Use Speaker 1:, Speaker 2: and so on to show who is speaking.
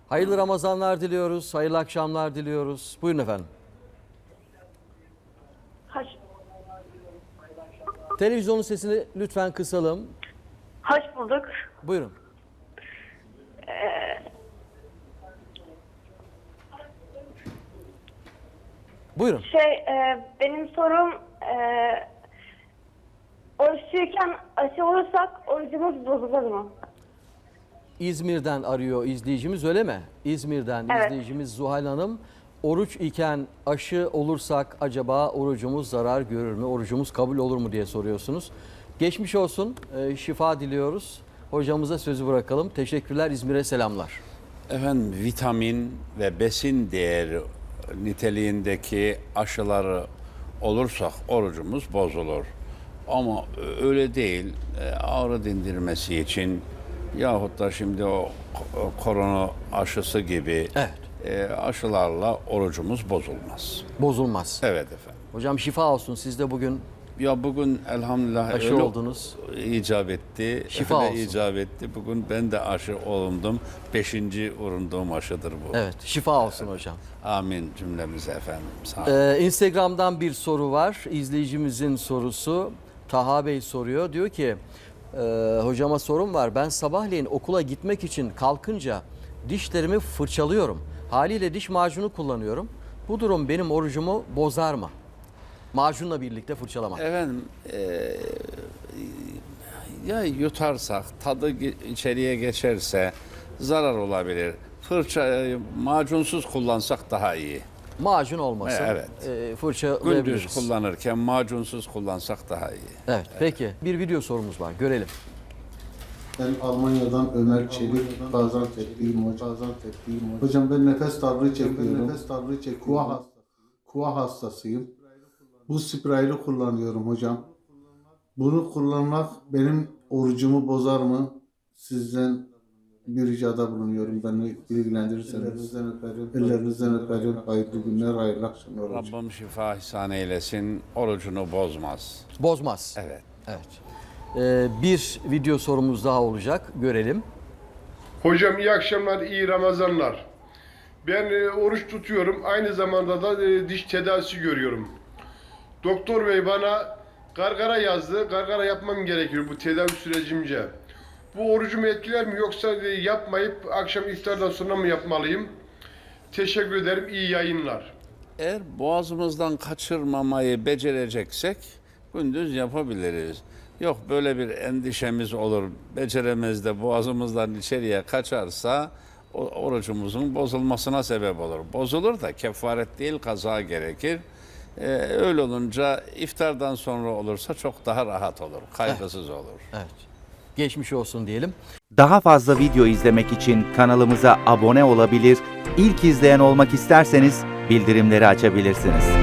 Speaker 1: Hayırlı Ramazanlar diliyoruz, hayırlı akşamlar diliyoruz. Buyurun efendim. Televizyonun sesini lütfen kısalım.
Speaker 2: Hoş bulduk.
Speaker 1: Buyurun. Buyurun.
Speaker 2: Benim sorum oruçluyken aşı olursak orucumuz bozulur mu?
Speaker 1: İzmir'den arıyor izleyicimiz, öyle mi? İzmir'den
Speaker 2: Evet.
Speaker 1: izleyicimiz Zuhal Hanım. Oruç iken aşı olursak acaba orucumuz zarar görür mü? Orucumuz kabul olur mu diye soruyorsunuz. Geçmiş olsun, şifa diliyoruz. Hocamıza sözü bırakalım. Teşekkürler, İzmir'e selamlar.
Speaker 3: Efendim, vitamin ve besin değeri niteliğindeki aşıları olursak orucumuz bozulur. Ama öyle değil. Ağrı dindirmesi için yahut da şimdi o korona aşısı gibi aşılarla orucumuz bozulmaz.
Speaker 1: Bozulmaz.
Speaker 3: Evet efendim.
Speaker 1: Hocam şifa olsun, siz de bugün
Speaker 3: Ya bugün elhamdülillah
Speaker 1: aşı
Speaker 3: öyle
Speaker 1: oldunuz.
Speaker 3: icap etti.
Speaker 1: Şifa
Speaker 3: öyle
Speaker 1: olsun.
Speaker 3: icap etti. Bugün ben de aşı olundum. 5. vurunduğum aşıdır bu.
Speaker 1: Evet, şifa olsun hocam.
Speaker 3: Amin cümlemize efendim. Sağ olun.
Speaker 1: Instagram'dan bir soru var. İzleyicimizin sorusu. Taha Bey soruyor. Diyor ki hocama sorum var. Ben sabahleyin okula gitmek için kalkınca dişlerimi fırçalıyorum. Haliyle diş macunu kullanıyorum. Bu durum benim orucumu bozar mı? Macunla birlikte fırçalamak.
Speaker 3: Efendim ya yutarsak, tadı içeriye geçerse zarar olabilir. Fırçayı macunsuz kullansak daha iyi.
Speaker 1: Macun olmasın.
Speaker 3: Evet.
Speaker 1: Fırçalayabiliriz.
Speaker 3: Gündüz kullanırken macunsuz kullansak daha iyi.
Speaker 1: Evet, peki. Bir video sorumuz var. Görelim.
Speaker 4: Ben Almanya'dan Ömer Çelik, Gaziantep'liyim hocam. Hocam ben nefes darlığı çekiyorum. Kuva hastasıyım. Bu spraylı kullanıyorum hocam. Bunu kullanmak benim orucumu bozar mı? Sizden bir ricada bulunuyorum. Beni bilgilendirirseniz. Ellerinizden öperim. Hayırlı günler, hayırlı akşamlar hocam.
Speaker 3: Rabbim şifa ihsan eylesin. Orucunu bozmaz.
Speaker 1: Bozmaz.
Speaker 3: Evet.
Speaker 1: Evet. Bir video sorumuz daha olacak. Görelim.
Speaker 5: Hocam iyi akşamlar, iyi Ramazanlar. Ben oruç tutuyorum. Aynı zamanda da diş tedavisi görüyorum. Doktor bey bana gargara yazdı. Gargara yapmam gerekiyor bu tedavi sürecimce. Bu orucumu etkiler mi yoksa yapmayıp akşam iftardan sonra mı yapmalıyım? Teşekkür ederim. İyi yayınlar.
Speaker 3: Eğer boğazımızdan kaçırmamayı becereceksek gündüz yapabiliriz. Yok böyle bir endişemiz olur, beceremez de boğazımızdan içeriye kaçarsa orucumuzun bozulmasına sebep olur. Bozulur da kefaret değil kaza gerekir. Öyle olunca iftardan sonra olursa çok daha rahat olur, kaygısız olur.
Speaker 1: Evet. Geçmiş olsun diyelim.
Speaker 6: Daha fazla video izlemek için kanalımıza abone olabilir, ilk izleyen olmak isterseniz bildirimleri açabilirsiniz.